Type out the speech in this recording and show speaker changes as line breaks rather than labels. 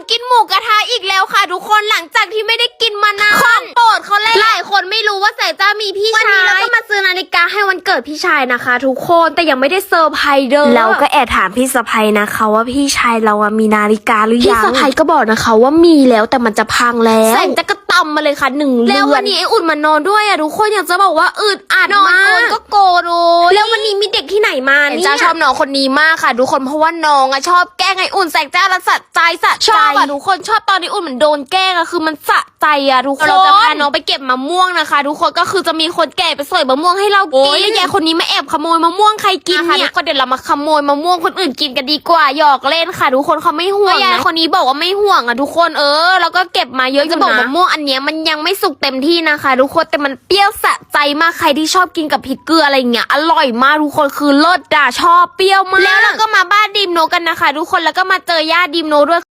กินหมูกระทะอีกแล้วค่ะทุกคนหลังจากที่ไม่ได้กินมานานของโปรดเขาเลยหลายคนไม่รู้ว่าแสงจ้ามีพี่ชายวันนี้เราก็มาซื้อนาฬิกาให้วันเกิดพี่ชายนะคะทุกคนแต่ยังไม่ได้เซอร์ไพรส์เด้อเราก็แอบถามพี่สะใภ้นะคะว่าพี่ชายเรามีนาฬิกาหรือยังพี่สะใภ้ก็บอกนะคะว่ามีแล้วแต่มันจะพังแล้วแสงจ้าก็ตำมาเลยค่ะ1 เดือนแล้ววันนี้ไอ้อุ่นมานอนด้วยทุกคนอยากจะบอกว่าอึดอัดมากก็โกรธแล้ววันนี้มีเด็กที่ไหนมาเนี่ยจ้าชอบน้องคนนี้มากค่ะทุกคนเพราะว่าน้องชอบแกล้งไอ้อุ่นแสงจ้าละสะใจชอบทุกคนชอบตอนนี้อุ่นเหมือนโดนแกล้งคือมันสะใจทุกคนเราจะพาน้องไปเก็บมะม่วงนะคะทุกคนก็คือจะมีคนแก่ไปสอยมะม่วงให้เรากินแล้วยายคนนี้มาแอบขโมยมะม่วงใครกินเนี่ยทุกคนเดี๋ยวเรามาขโมยมะม่วงคนอื่นกินกันดีกว่าหยอกเล่นค่ะทุกคนเขาไม่ห่วงยายคนนี้บอกว่าไม่ห่วงทุกคนแล้วก็เก็บมาเยอะจะบอกมะม่วงอันเนี้ยมันยังไม่สุกเต็มที่นะคะทุกคนแต่มันเปรี้ยวสะใจมากใครที่ชอบกินกับพริกเกลืออะไรเงี้ยอร่อยมากทุกคนคือเลิศชอบเปรี้ยวมากแล้วเราก็มาบ้านดิมโนกันนะคะทุกคนแล้วก็มาเจอย่าดิมโนด้วย